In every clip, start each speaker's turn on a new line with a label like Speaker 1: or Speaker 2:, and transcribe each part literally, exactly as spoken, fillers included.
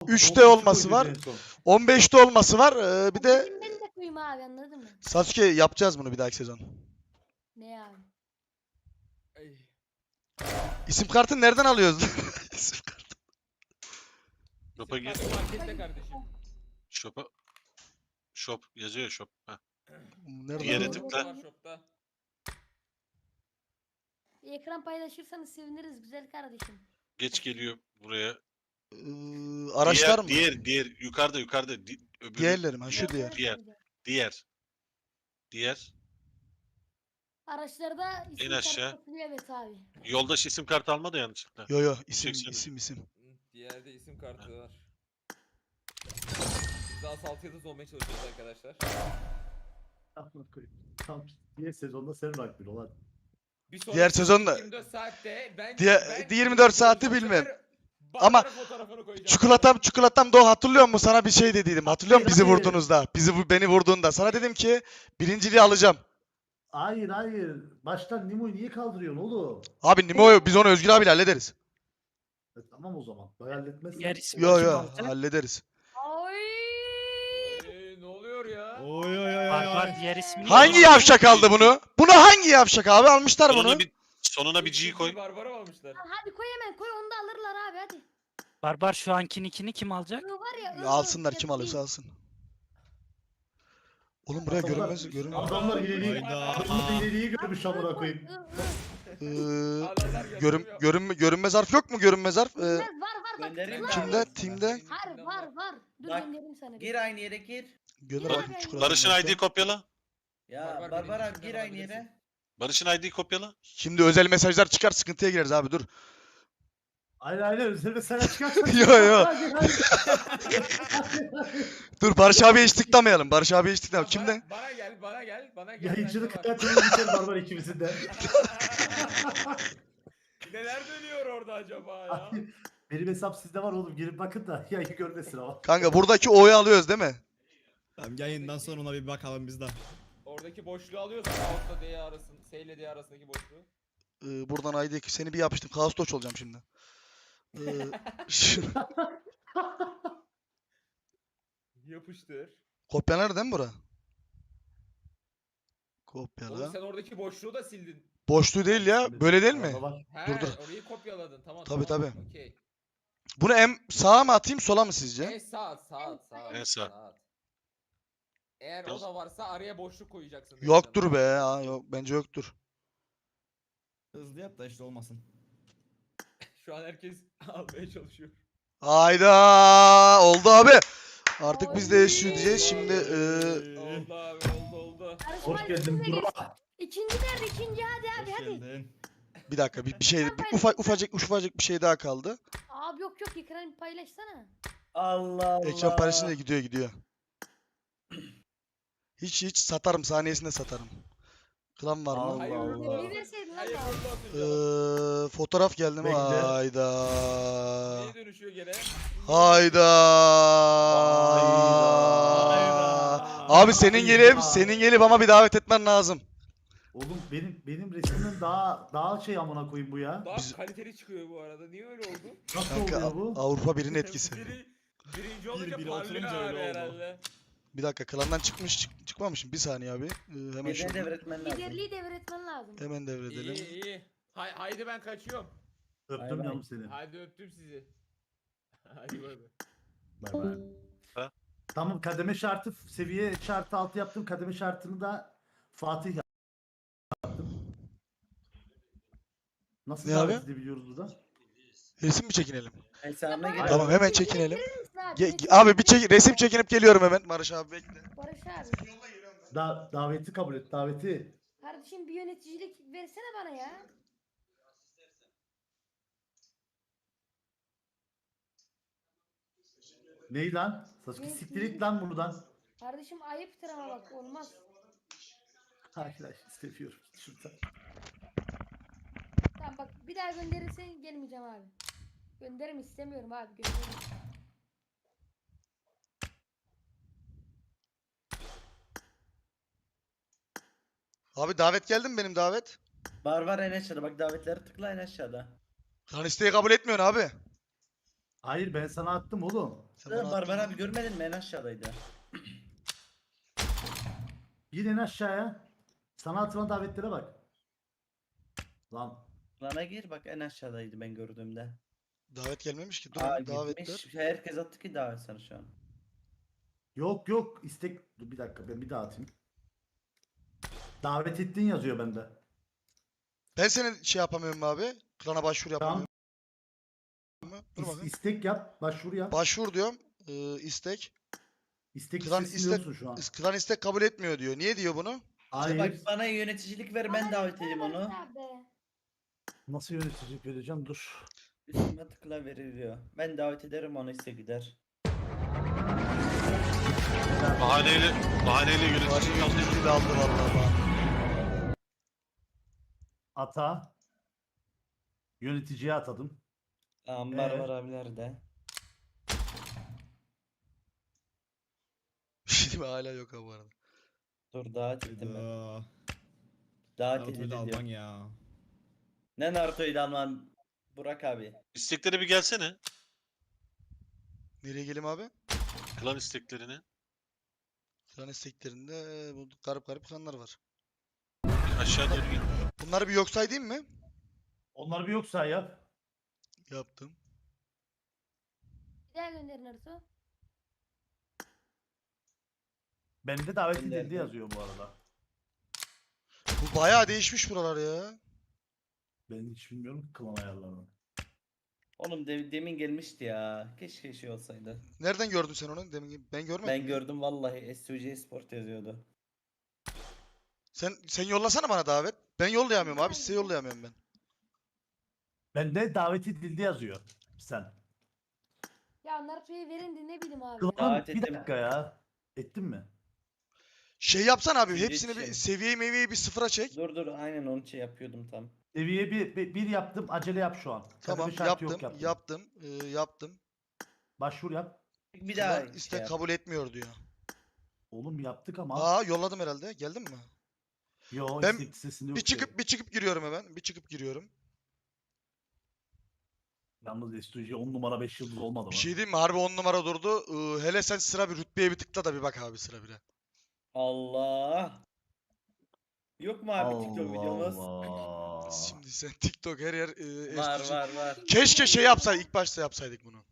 Speaker 1: üçte olması var. on beşte olması var. Ee, bir de
Speaker 2: Ben de koyayım abi, anladın mı?
Speaker 1: Sasuke yapacağız bunu bir dahaki sezon.
Speaker 2: Ne abi?
Speaker 3: Ay.
Speaker 1: İsim kartını nereden alıyoruz? İsim kartı.
Speaker 4: Shop'a
Speaker 3: İsim
Speaker 4: gir.
Speaker 3: kartı markette kardeşim.
Speaker 4: Shop'a. Shop yazıyor shop. Heh.
Speaker 1: Nereden
Speaker 4: Diğere
Speaker 1: alıyoruz?
Speaker 4: tıkla.
Speaker 3: Var shop'ta.
Speaker 2: Ekran paylaşırsanız seviniriz güzel kardeşim.
Speaker 4: Geç geliyor buraya.
Speaker 1: Ee, araçlar
Speaker 4: diğer,
Speaker 1: mı?
Speaker 4: Diğer, diğer, yukarıda, yukarıda. Di, öbürü,
Speaker 1: Diğerlerim ha şu
Speaker 2: Yok,
Speaker 1: diğer.
Speaker 2: evet,
Speaker 4: Diğer.
Speaker 2: evet.
Speaker 4: diğer. Diğer.
Speaker 2: Araçlarda isim
Speaker 4: En aşağı.
Speaker 2: kartı satılıyor, evet abi.
Speaker 4: Yoldaş isim kartı alma da yanlışlıkla.
Speaker 1: Yo yo isim
Speaker 4: Çeksene.
Speaker 1: isim isim.
Speaker 3: Hı, Diğerde isim kartı var. Biz daha altı yıldız olmaya çalışıyoruz arkadaşlar.
Speaker 5: Tam diğer sezonda sen bak bir olan.
Speaker 3: Bir sonraki
Speaker 1: Diğer sezonda-
Speaker 3: yirmi dört saatte ben,
Speaker 1: Diğer-
Speaker 3: ben
Speaker 1: yirmi dört saati
Speaker 3: bu sefer
Speaker 1: bilmem.
Speaker 3: Barbar'ın
Speaker 1: Ama
Speaker 3: fotoğrafını koyacağım.
Speaker 1: Çikolatam çikolatam do hatırlıyor musun? Sana bir şey dediydim. Hatırlıyor musun bizi
Speaker 5: Hayır, hayır.
Speaker 1: vurduğunuzda? Bizi bu- beni vurduğunda. Sana dedim ki birinciliği alacağım.
Speaker 5: Hayır hayır. Baştan Nimo'yu niye kaldırıyorsun oğlum?
Speaker 1: Abi Nimo'yu biz onu Özgür abiyle hallederiz.
Speaker 5: E, tamam o zaman. Halletmezsen.
Speaker 6: Diğer isim
Speaker 1: Yo
Speaker 6: kim
Speaker 1: yo
Speaker 6: olacak?
Speaker 1: hallederiz.
Speaker 2: Ay.
Speaker 3: Ee, ne oluyor ya?
Speaker 7: Oy oy oy
Speaker 6: Var
Speaker 7: oy.
Speaker 6: var diğer ismini.
Speaker 1: Hangi yavşak aldı bunu? Bunu hangi yavşak abi almışlar bunu?
Speaker 4: Sonuna bir, sonuna bir G koy.
Speaker 3: Barbar'a mı almışlar?
Speaker 2: Hadi koy hemen koy, onu da alırlar abi hadi.
Speaker 6: Barbar şu anki nickini kim alacak?
Speaker 2: I var ya.
Speaker 1: Ya
Speaker 2: I,
Speaker 1: alsınlar
Speaker 2: I,
Speaker 1: kim
Speaker 2: ya
Speaker 1: alırsa
Speaker 2: değil.
Speaker 1: alsın. Oğlum buraya
Speaker 5: Adamlar-
Speaker 1: görünmez görünmez.
Speaker 5: Adamlar hileliği,
Speaker 7: Hayda.
Speaker 5: adamlar hileliği görmüş amına koyayım.
Speaker 2: I, I.
Speaker 1: Ee,
Speaker 3: Adamlar
Speaker 1: görün,
Speaker 3: yazıyor.
Speaker 1: görünme, görünmez harf yok mu görünmez harf? Ee,
Speaker 2: Var var var bak.
Speaker 8: Göndereyim mi
Speaker 2: tıkla.
Speaker 8: abi?
Speaker 1: kimde? Timde?
Speaker 2: Var var var. Dur
Speaker 8: Bak,
Speaker 2: göndereyim sana.
Speaker 8: Gir aynı yere gir.
Speaker 1: Gönder
Speaker 2: Bar-
Speaker 1: bakayım çikolata.
Speaker 4: Barış'ın I D'yi kopyala.
Speaker 8: Ya
Speaker 3: Barbar
Speaker 8: Barbar
Speaker 3: birinci
Speaker 8: abi gir
Speaker 3: isimden
Speaker 8: aynı
Speaker 3: alabilirsin.
Speaker 8: yere.
Speaker 4: Barış'ın I D'yi kopyala.
Speaker 1: Şimdi özel mesajlar çıkar sıkıntıya gireriz abi dur.
Speaker 5: Aynen aynen. Üzerine sen çıkarsan.
Speaker 1: Yo, yo.
Speaker 5: Hadi, hadi.
Speaker 1: Dur Barış abiye hiç tıklamayalım. Barış abiye hiç tıklamayalım.
Speaker 3: Bana-
Speaker 1: Kimde?
Speaker 3: Bana gel, bana gel, bana gel.
Speaker 5: Yayıncılık
Speaker 3: bende var.
Speaker 5: hayatının biter barbar ikimizin de.
Speaker 3: Neler dönüyor orada acaba ya?
Speaker 5: Benim hesap sizde var oğlum. Girip bakın da yayı görmesin ama.
Speaker 1: Kanka buradaki O'yu alıyoruz değil mi?
Speaker 7: Tamam yayından sonra ona bir bakalım biz de.
Speaker 3: Oradaki boşluğu alıyorsun. Altta D arasın, S ile D arasındaki boşluğu.
Speaker 1: Ee, buradan I D'ye seni bir yapıştım. Kaos Doç olacağım şimdi. Ee, şu-
Speaker 3: Yapıştır.
Speaker 1: Kopyalar değil mi bura?
Speaker 3: Oğlum
Speaker 1: Kopyala.
Speaker 3: sen oradaki boşluğu da sildin.
Speaker 1: Boşluğu değil ya. Böyle değil mi?
Speaker 5: Arada var.
Speaker 3: He,
Speaker 1: Dur, dur.
Speaker 3: orayı kopyaladın. Tamam,
Speaker 1: Tabii,
Speaker 3: tamam.
Speaker 1: tabii.
Speaker 3: Okey.
Speaker 1: Bunu em sağa mı atayım sola mı sizce?
Speaker 3: En sağ, sağ, sağ.
Speaker 4: En sağ.
Speaker 3: Eğer o da varsa araya boşluk koyacaksın.
Speaker 1: Yoktur be. Ha, yok, bence yoktur.
Speaker 7: Hızlı yap da işte olmasın.
Speaker 3: Şu an herkes almaya çalışıyor.
Speaker 1: Hayda oldu abi. Artık biz de yaşıyor diyeceğiz. Şimdi e,
Speaker 3: Oldu abi, oldu oldu.
Speaker 5: Hoş geldin bro.
Speaker 2: İkinci nerede? İkinci hadi hadi
Speaker 7: Hoş
Speaker 2: hadi.
Speaker 7: geldin.
Speaker 1: bir dakika bir, bir şey bir, ufak ufacık ufacık bir şey daha kaldı.
Speaker 2: Abi yok yok, ekranı paylaşsana.
Speaker 8: Allah Allah.
Speaker 1: Ekran paylaşınca gidiyor gidiyor. Hiç hiç satarım saniyesinde satarım. Klan var mı?
Speaker 5: Allah
Speaker 3: Hayır,
Speaker 5: Allah.
Speaker 3: Allah.
Speaker 2: Bir verseydin lan
Speaker 3: Hayır,
Speaker 2: abi.
Speaker 3: orada atacağım.
Speaker 1: Ee, fotoğraf geldi mi?
Speaker 5: Bekle.
Speaker 1: Hayda.
Speaker 3: Neye dönüşüyor gene?
Speaker 1: Hayda.
Speaker 5: Hayda.
Speaker 1: Abi senin
Speaker 5: Hayda.
Speaker 1: gelip senin gelip ama bir davet etmen lazım.
Speaker 5: Oğlum benim benim resmimden daha daha şey amına koyayım bu ya.
Speaker 3: Daha
Speaker 1: Biz-
Speaker 3: kaliteli çıkıyor bu arada. Niye öyle oldu?
Speaker 5: Nasıl
Speaker 1: Kanka
Speaker 5: oluyor bu?
Speaker 1: Avrupa birinin etkisi.
Speaker 3: Biri, birinci olunca
Speaker 7: biri
Speaker 3: parlıyor
Speaker 7: oturunca
Speaker 3: abi
Speaker 7: öyle oldu.
Speaker 3: herhalde.
Speaker 1: Bir dakika klandan çıkmış çık, çıkmamışım. Bir saniye abi. Ee, hemen
Speaker 8: Birine
Speaker 1: şunu
Speaker 8: devretmen lazım.
Speaker 2: Liderliği devretmen lazım.
Speaker 1: hemen devredelim.
Speaker 3: İyi iyi. Hay, haydi ben kaçıyorum.
Speaker 5: Öptüm
Speaker 8: Bay bay.
Speaker 5: yanım seni.
Speaker 3: Hadi öptüm sizi. Hadi bay bay.
Speaker 5: Bay bay.
Speaker 4: Ha?
Speaker 5: Tamam, kademe şartı seviye şartı altı yaptım. Kademe şartını da Fatih yaptım. Nasıl
Speaker 1: Ne
Speaker 5: davet
Speaker 1: abi?
Speaker 5: edebiliyoruz burada?
Speaker 1: Resim mi çekinelim?
Speaker 8: Hesabına gir.
Speaker 1: Tamam hemen çekinelim.
Speaker 2: Misin abi?
Speaker 1: Ge-
Speaker 2: Resim-
Speaker 1: abi bir çek resim çekinip geliyorum hemen. Barış abi bekle.
Speaker 2: Barış abi.
Speaker 5: Da daveti kabul et, daveti.
Speaker 2: Kardeşim bir yöneticilik versene bana ya.
Speaker 5: Ney lan? Sasuke
Speaker 2: Ne-
Speaker 5: siktir et lan buradan.
Speaker 2: Kardeşim ayıptır ama bak, olmaz.
Speaker 5: Arkadaş istemiyorum. Şuradan.
Speaker 2: Tamam bak, bir daha gönderirsen gelmeyeceğim abi. Gönderim istemiyorum abi, gönderim.
Speaker 1: Abi davet geldi mi benim davet?
Speaker 8: Barbar en aşağıda. Bak davetleri tıkla en aşağıda.
Speaker 1: Klan isteği kabul etmiyorsun abi.
Speaker 5: Hayır ben sana attım oğlum.
Speaker 1: Sen bana
Speaker 8: Barbar
Speaker 1: attın
Speaker 8: abi görmedin mi? En aşağıdaydı.
Speaker 5: Gir en aşağıya. Sana atılan davetlere bak. Lan
Speaker 8: Lana gir bak en aşağıdaydı ben gördüğümde.
Speaker 1: davet gelmemiş ki. Dur
Speaker 8: Aa
Speaker 1: oğlum, davetler.
Speaker 8: gitmiş. Herkes attı ki davet sana şu an.
Speaker 5: yok yok istek. Dur bir dakika ben bir daha atayım. Davet ettiğin yazıyor bende.
Speaker 1: Ben senin şey yapamıyorum abi. Klana başvuru
Speaker 5: Tamam.
Speaker 1: yapamıyorum. Dur
Speaker 5: İs-
Speaker 1: bakayım.
Speaker 5: istek yap. Başvuru yap.
Speaker 1: Başvur diyorum. Ee, istek.
Speaker 5: istek
Speaker 1: Klan
Speaker 5: listesinde
Speaker 1: istek,
Speaker 5: yoksun şu an.
Speaker 1: klan istek kabul etmiyor diyor. Niye diyor bunu?
Speaker 8: İşte
Speaker 5: Hayır.
Speaker 8: bak bana yöneticilik ver ben
Speaker 2: Bana
Speaker 8: davet
Speaker 2: versene
Speaker 8: edeyim
Speaker 2: Barış
Speaker 8: onu.
Speaker 2: abi.
Speaker 5: Nasıl yöneticilik vereceğim? Dur.
Speaker 8: Üstüme tıkla veriliyor. Ben davet ederim onu ise gider.
Speaker 4: Bahaneyle, bahaneyle
Speaker 1: Bari
Speaker 4: yönetici kaldı.
Speaker 1: yöneticiliği de aldı vallahi bana.
Speaker 5: Ata. Yöneticiye atadım.
Speaker 8: Tamam
Speaker 5: Ee?
Speaker 8: Barbar abiler de.
Speaker 1: Şimdi hala yok abi bu arada.
Speaker 8: Dur davet ettim ben.
Speaker 7: Hayda.
Speaker 8: Davet
Speaker 7: Naruto'yu
Speaker 8: edildi
Speaker 7: da
Speaker 8: diyor.
Speaker 7: Alman ya.
Speaker 8: Ne Naruto'yu da alman? Burak abi.
Speaker 4: İstekleri bir gelsene.
Speaker 1: Nereye geleyim abi?
Speaker 4: Klan isteklerini.
Speaker 1: Klan isteklerinde bu garip garip klanlar var.
Speaker 4: Bir aşağı doğru gel.
Speaker 1: Bunları bir yok sayayım mı?
Speaker 5: Onlar bir yoksa yap.
Speaker 1: Yaptım.
Speaker 2: Bir daha gönderin Arsu.
Speaker 5: Bende davet
Speaker 8: Ben de
Speaker 5: edildi
Speaker 8: yapayım.
Speaker 1: şey
Speaker 5: yazıyor bu arada.
Speaker 1: Bu bayağı değişmiş buralar ya.
Speaker 5: Ben hiç bilmiyorum ki klan ayarlarını.
Speaker 8: Oğlum de- demin gelmişti ya. Keşke şey olsaydı.
Speaker 1: Nereden gördün sen onu? Demin ben görmedim.
Speaker 8: Ben
Speaker 1: ya.
Speaker 8: gördüm vallahi S U C Sport yazıyordu.
Speaker 1: Sen sen yollasana bana davet. Ben yollayamıyorum abi. Size yollayamıyorum ben.
Speaker 5: Bende davet edildi yazıyor. Sen.
Speaker 2: Ya Naruto'yu verin de ne bileyim abi.
Speaker 5: Klanım
Speaker 8: Davet
Speaker 5: bir
Speaker 8: ettim.
Speaker 5: dakika ya. Ettin mi?
Speaker 1: Şey yapsan abi.
Speaker 8: Şimdi
Speaker 1: Hepsini bir
Speaker 8: yetişelim.
Speaker 1: seviye meviyeyi bir sıfıra çek.
Speaker 8: Dur dur aynen onun için yapıyordum tam.
Speaker 5: Seviye bir, bir, bir yaptım. Acele yap şu an.
Speaker 1: Tamam
Speaker 5: Kademe şartı
Speaker 1: yaptım.
Speaker 5: yok yaptım.
Speaker 1: Yaptım. Ee, yaptım.
Speaker 5: Başvur yap.
Speaker 8: Bir daha
Speaker 1: Klan
Speaker 8: şey
Speaker 1: istek
Speaker 8: yap.
Speaker 1: kabul etmiyor diyor.
Speaker 5: Oğlum yaptık ama.
Speaker 1: Aa yolladım herhalde. Geldin mi?
Speaker 5: Yo
Speaker 1: Ben
Speaker 5: istek listesinde yok.
Speaker 1: Bir çıkıp bir çıkıp giriyorum hemen. Bir çıkıp giriyorum.
Speaker 5: Yalnız S U C on numara beş yıldız olmadı mı?
Speaker 1: Bir şey diyeyim mi? Harbi on numara durdu. Ee, hele sen sıra bir rütbeye bir tıkla da bir bak abi sıra bire.
Speaker 8: Allah. Yok mu abi TikTok videomuz?
Speaker 5: Allah.
Speaker 1: Şimdi sen TikTok her yer e,
Speaker 8: Var
Speaker 1: S D G.
Speaker 8: var var.
Speaker 1: Keşke şey yapsaydık. İlk başta yapsaydık bunu.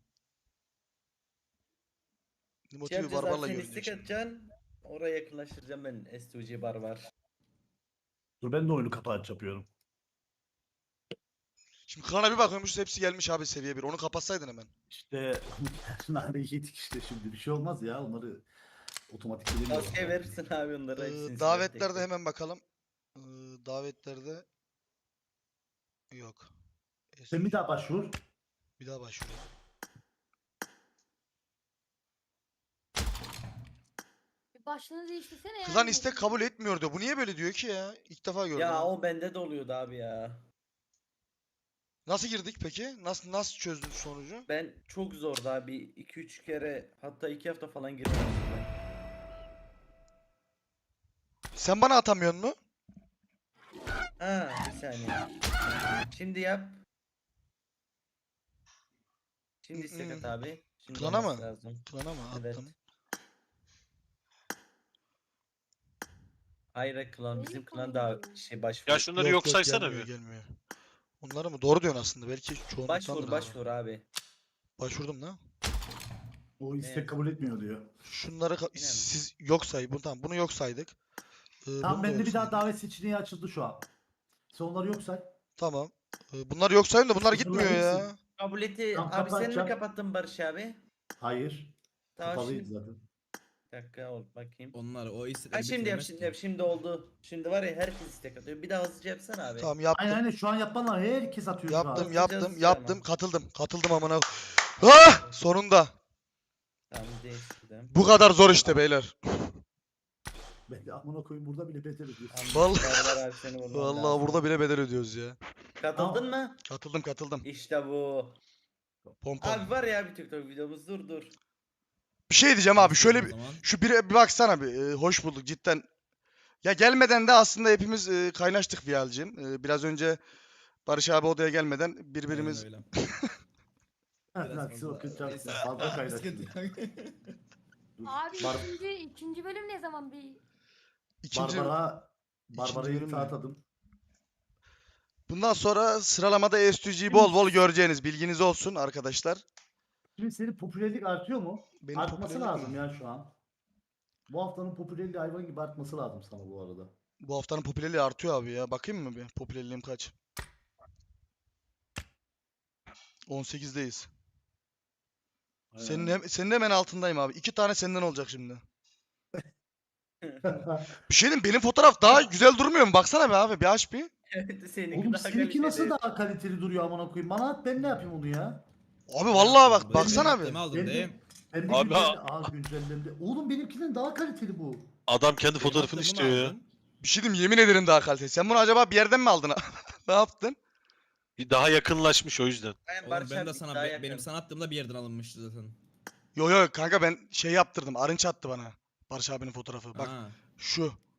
Speaker 8: Şey
Speaker 1: Motivi
Speaker 8: yapacağız
Speaker 1: barbarla
Speaker 8: abi sen
Speaker 1: görünüyor
Speaker 8: istek
Speaker 1: şimdi.
Speaker 8: atacaksın. Oraya yakınlaştıracağım ben S U C Barbar.
Speaker 5: Dur ben de oyunu kapat yapıyorum.
Speaker 1: Şimdi klana bir bakıyormuşuz hepsi gelmiş abi seviye bir. Onu kapatsaydın hemen.
Speaker 5: İşte nane yedik işte şimdi bir şey olmaz ya onları otomatik
Speaker 8: Tavsiye
Speaker 5: edemiyorum.
Speaker 8: verirsin abi onlara.
Speaker 1: Ee,
Speaker 8: hepsini size tek
Speaker 1: davetlerde
Speaker 8: tek.
Speaker 1: hemen bakalım. Ee, davetlerde yok.
Speaker 5: Sen bir daha başvur.
Speaker 1: Bir daha başvuruyorum.
Speaker 2: Bir başlığını değiştirsene ya.
Speaker 1: Klan istek kabul etmiyor diyor. Bu niye böyle diyor ki ya? İlk defa gördüm.
Speaker 8: Ya
Speaker 1: ha.
Speaker 8: o bende de oluyordu abi ya.
Speaker 1: Nasıl girdik peki? Nasıl nasıl çözdün sonucu?
Speaker 8: Ben çok zordu abi. iki üç kere hatta iki hafta falan girmedim ben.
Speaker 1: Sen bana atamıyorsun mu?
Speaker 8: Ha bir saniye. Şimdi yap. Şimdi istek at abi. Şimdi
Speaker 1: Klana
Speaker 8: olması
Speaker 1: mı?
Speaker 8: lazım.
Speaker 1: Klana mı?
Speaker 8: Evet.
Speaker 1: Attım.
Speaker 8: Hayır klan bizim
Speaker 2: Neyi
Speaker 8: klan daha
Speaker 2: koyuyorsun?
Speaker 8: şey başvur.
Speaker 4: Ya şunları yok, saysana
Speaker 1: gelmiyor,
Speaker 4: bir.
Speaker 1: gelmiyor. Onları mı? Doğru diyorsun aslında. Belki çoğunluktandır
Speaker 8: Başvur
Speaker 1: abi.
Speaker 8: başvur abi.
Speaker 1: Başvurdum da.
Speaker 5: O istek
Speaker 8: Ne?
Speaker 5: kabul etmiyor diyor.
Speaker 1: Şunları ka-
Speaker 8: Yine mi?
Speaker 1: siz yok say. Bunu tamam bunu yok saydık. Ee, bunu
Speaker 5: Tamam
Speaker 1: da
Speaker 5: bende
Speaker 1: yok
Speaker 5: bir daha
Speaker 1: saydık.
Speaker 5: davet seçeneği açıldı şu an. Sen onları yok say.
Speaker 1: Tamam. Ee, bunlar yok sayayım da bunlar
Speaker 5: Bunlar
Speaker 1: gitmiyor ya.
Speaker 5: hepsi-
Speaker 8: Kabul eti
Speaker 5: Tamam,
Speaker 8: abi sen mi
Speaker 5: kapatacağım.
Speaker 8: kapattın Barış abi?
Speaker 5: Hayır.
Speaker 8: Tamam
Speaker 5: Kapalıydı
Speaker 8: şimdi.
Speaker 5: zaten.
Speaker 8: Bir dakika ol bakayım.
Speaker 7: Onlar o istekleri
Speaker 8: Ha şimdi yap
Speaker 7: bitiremez
Speaker 8: şimdi
Speaker 7: ki.
Speaker 8: yap şimdi oldu. Şimdi var ya herkes istek atıyor. Bir daha hızlıca yapsana abi.
Speaker 1: Tamam yaptım.
Speaker 5: Aynen aynen şu an yapan var. Herkes atıyor şu an.
Speaker 1: Yaptım,
Speaker 8: Hızlıca,
Speaker 1: yaptım,
Speaker 8: hızlıca
Speaker 1: yaptım.
Speaker 8: ama.
Speaker 1: Katıldım. Katıldım amına. Ah! Sonunda.
Speaker 8: Tamam değiştirdim.
Speaker 1: Bu kadar zor işte beyler.
Speaker 5: Ben de amına koyayım burada bile beter ediyorsun.
Speaker 8: Tamam,
Speaker 1: Vallahi-
Speaker 8: Barbar abi seni vurman
Speaker 1: Vallahi
Speaker 8: lazım.
Speaker 1: burada bile bedel ödüyoruz ya.
Speaker 8: Katıldın mı?
Speaker 1: Katıldım, katıldım.
Speaker 8: İşte bu.
Speaker 1: Pompon.
Speaker 8: Abi var ya bir TikTok videomuz dur dur.
Speaker 1: Bir şey diyeceğim abi. Şöyle
Speaker 7: O
Speaker 1: bir
Speaker 7: zaman.
Speaker 1: şu bir, bir baksana bir. Ee, hoş bulduk cidden. Ya gelmeden de aslında hepimiz e, kaynaştık Vihal'cim. Ee, biraz önce Barış abi odaya gelmeden birbirimiz
Speaker 7: Aynen öyle. Biraz
Speaker 5: Lan
Speaker 7: fazla.
Speaker 5: Silk'ın çarptı.
Speaker 7: Neyse,
Speaker 5: Fazla kaynaştı.
Speaker 7: sıkıntı yok.
Speaker 5: Dur.
Speaker 2: Abi
Speaker 5: Bar-
Speaker 2: ikinci, ikinci bölüm ne zaman bir...
Speaker 1: İkinci,
Speaker 5: Barbara
Speaker 1: ikinci
Speaker 5: Barbara'yı
Speaker 1: bölüm
Speaker 5: sağ
Speaker 1: mü?
Speaker 5: atadım.
Speaker 1: bundan sonra sıralamada E S G'yi bol bol göreceğiniz bilginiz olsun arkadaşlar.
Speaker 5: Şimdi senin popülerlik artıyor mu?
Speaker 1: Benim
Speaker 5: Artması
Speaker 1: popülerlik
Speaker 5: lazım
Speaker 1: mi?
Speaker 5: ya şu an. Bu haftanın popülerliği hayvan gibi artması lazım sana bu arada.
Speaker 1: Bu haftanın popülerliği artıyor abi ya. Bakayım mı bir? Popülerliğim kaç? on sekizdeyiz. Senin, hem, senin hemen altındayım abi. İki tane senden olacak şimdi. Bir şey diyeyim, benim fotoğraf daha güzel durmuyor mu? Baksana be abi, bir aç bir.
Speaker 8: Evet, seninki
Speaker 5: Oğlum
Speaker 8: daha
Speaker 5: seninki nasıl
Speaker 8: kaliteli.
Speaker 5: daha kaliteli duruyor amına koyayım? Bana at ben ne yapayım onu ya?
Speaker 1: Abi vallahi bak,
Speaker 7: Benim
Speaker 1: baksana
Speaker 7: yaptığımı
Speaker 1: bir.
Speaker 7: aldın
Speaker 5: Ben de-
Speaker 7: değil.
Speaker 5: Ben de
Speaker 4: Abi,
Speaker 5: güncelle... Aa güncellemde. Oğlum benimkinin daha kaliteli bu.
Speaker 4: Adam kendi
Speaker 7: Benim
Speaker 4: fotoğrafını
Speaker 7: yaptığımı
Speaker 4: istiyor ya.
Speaker 7: aldın.
Speaker 1: Bir şey diyeyim, yemin ederim daha kaliteli. Sen bunu acaba bir yerden mi aldın? Ne yaptın?
Speaker 4: Bir daha yakınlaşmış o yüzden.
Speaker 8: Aynen,
Speaker 7: Oğlum
Speaker 8: Barış
Speaker 7: ben de
Speaker 8: abi
Speaker 7: sana
Speaker 8: daha
Speaker 7: be-
Speaker 8: yakın.
Speaker 7: benim sana attığımda bir yerden alınmıştı zaten.
Speaker 1: Yo yo kanka, ben şey yaptırdım. Arınç attı bana. Barış abinin fotoğrafı. Bak
Speaker 7: Ha.
Speaker 1: şu.